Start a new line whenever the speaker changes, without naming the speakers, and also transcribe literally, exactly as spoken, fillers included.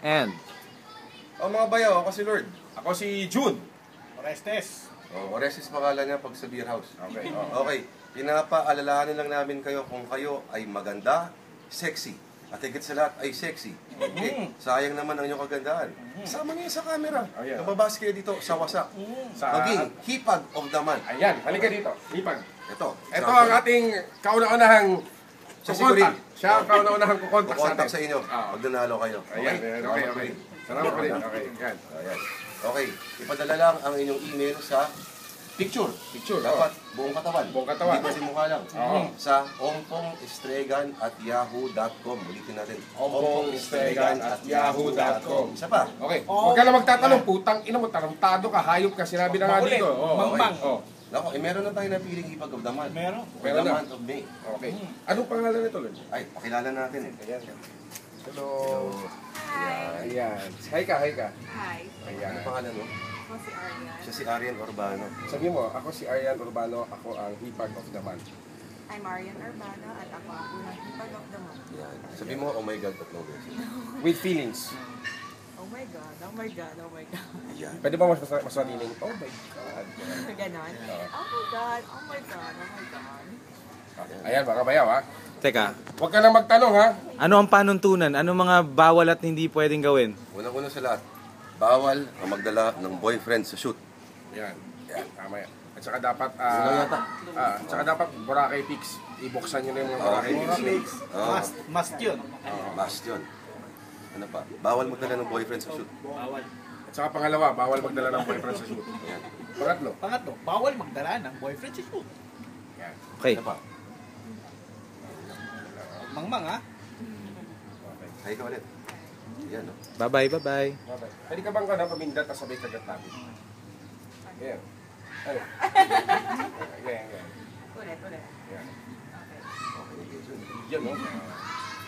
And
O mga bayaw, ako si Lord.
Ako si June.
Orestes.
O, Orestes pangalan niya pag sa beer house.
Okay.
Okay, pinapaalalahanin lang namin kayo kung kayo ay maganda, sexy. At higit sa lahat ay sexy. Okay? Sayang naman ang inyong kagandaan. Sama niyo sa camera.
Oh, yeah.
Nababas kayo dito sa wasak.
Sa...
Maging hipag of the man.
Ayan, halika dito. Ipag.
Ito.
Ito ang ating kauna-unahang
Siya si
kukontak.
Corin.
Siya ang kauna-unahang kukontak sa
Kukontak
atin.
sa inyo.
Ah.
Pag nanalo kayo.
Ayan, ayan, okay, okay. Salamat pa rin. Okay, yan.
Ayan. Okay, ipadala lang ang inyong email sa picture.
Picture,
Dapat buong katawan.
Buong katawan.
Hindi pwede mukha lang.
Oo.
Sa ompongestregan at yahoo dot com. Ulitin natin.
ompongestregan at yahoo dot com.
Isa pa.
Okay, huwag ka na magtatanong, putang ina mo, tarantado ka, hayop ka, sinabi na nga
Makulit.
dito. Oh,
Mangmang.
Oh.
Nako, eh, meron na tayo napiling hipag of the month.
Meron.
For
Meron
the
na.
month of May.
Okay. Anong pangalan nito, Lord?
Ay, pakilala natin eh.
Ayan. Hello.
Hi.
Ayan. Hi ka, hi ka.
Hi.
Ano
Ayan.
pangalan mo?
Ako si Aryan.
Siya si Arian Urbano.
Sabi mo, ako si Arian Urbano, ako ang hipag of the month.
I'm Aryan Urbano at ako ang unang hipag of the month.
Yan. Sabi mo, oh my God, tatlong beses.
With feelings.
Oh my God, oh my God, oh my God.
Yan.
Pwede ba mas mas mas matiling? Oh my God.
Ganon. Oh my God, oh my God, oh my God.
Ayan, baka bayaw ha.
teka,
Huwag ka nang magtanong ha.
ano ang panuntunan? Ano mga bawal at hindi pwedeng gawin?
Unang-una sa lahat, bawal ang magdala ng boyfriend sa shoot.
Yan. Yan, tama yan. At saka dapat,
Yun lang
ah,
yata.
ah, at saka dapat Boracay Peaks. Ibuksan nyo na yung mga
Oh,
Boracay Peaks.
Mix.
Oo.
Must. Must yun.
Must yun. Ano pa? Bawal magdala ng boyfriend sa shoot.
Bawal.
At saka pangalawa, bawal magdala ng boyfriend sa shoot.
Yan.
Pangatlo.
Pangatlo, bawal magdala ng boyfriend sa shoot.
Yan.
Okay.
Ano pa?
Mangmang ha?
Hay ka ulit. Yan, no?
Bye-bye, bye-bye.
Okay. Pwede ka bang ka na pamindat at sabay kagat natin? Yan. Ay. Yan, yan.
Ulit, ulit.
Yan.
Okay.
Okay, Jason.
Yan, no?